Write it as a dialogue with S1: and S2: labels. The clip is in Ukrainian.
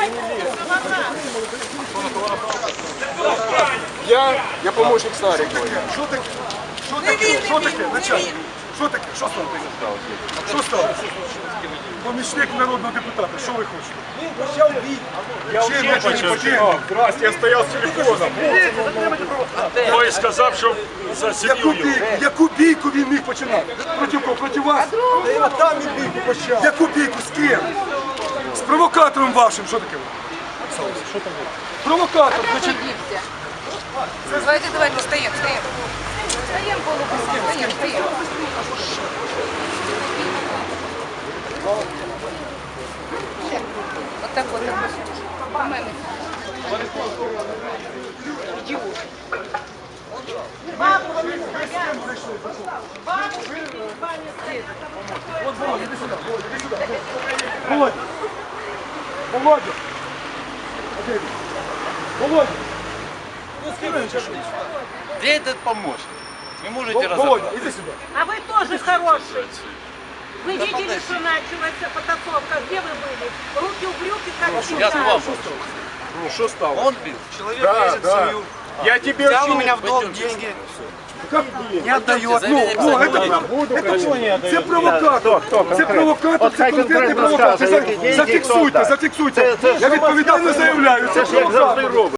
S1: Я помощник Старикова. Що таке? Що таке? Що таке? Начальник? Що таке? Що стало? Що стало? Помічник народного депутата. Що ви хочете? Він почав бій. Чим я почав? Здрасте, я стояв з телефоном.
S2: Той сказав, що за сім'ю.
S1: Яку бійку він міг починати? Проти кого? Проти вас? Там він бійку почав. Яку бійку? З ким? З провокатором вашим. Що таке? Що там? Провокатор, значить.
S3: Давайте, стоим. Стоим, полупустим, стоим. Вот так вот. По-моему.
S1: Володя! Володя! Володя!
S4: Где этот помощник? Вы можете
S1: Володя,
S4: разобраться?
S1: иди сюда.
S5: А вы тоже хороший. Вы видели, что началась потасовка? Где вы были? Руки в брюки, как
S4: Я
S5: всегда.
S4: с вами.
S1: Ну, что стало?
S4: Он бил. Человек
S1: Да,
S4: лезет в
S1: да.
S4: семью.
S1: Я тебе
S4: Взял у
S1: очень...
S4: меня в долг деньги.
S1: Как не отдает?
S4: заведите
S1: Ну,
S4: писать
S1: це провокатор. Це провокатор, це конкретний провокатор. Зафіксуйте. Я відповідально заявляю, це провокатор.